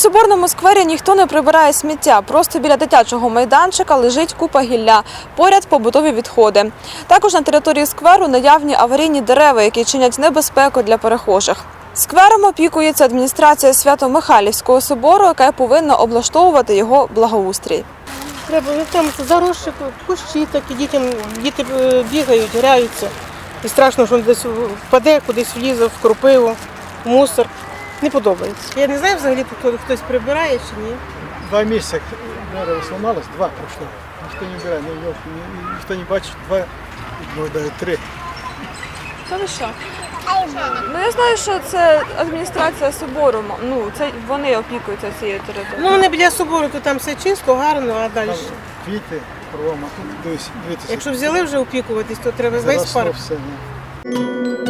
Соборному сквері ніхто не прибирає сміття. Просто біля дитячого майданчика лежить купа гілля. Поряд побутові відходи. Також на території скверу наявні аварійні дерева, які чинять небезпеку для перехожих. Сквером опікується адміністрація Свято-Михайлівського собору, яка повинна облаштовувати його благоустрій. Треба, там заросші кущі такі, діти бігають, граються. І страшно, що він десь впаде, кудись влізе, в кропиву, в мусор. Не подобається. Я не знаю взагалі, хтось прибирає чи ні. 2 місяці дерево сломалось, 2 пройшло. Ніхто не вбирає, ніхто не бачить, 2, навіть 3. Та ви що? Ну, я знаю, що це адміністрація собору, це вони опікуються цією територією. Ну, вони біля собору, то там все чисто, гарно, а далі. Квіти, кругом, а тут дивіться. Якщо взяли вже опікуватись, то треба весь парк. Все,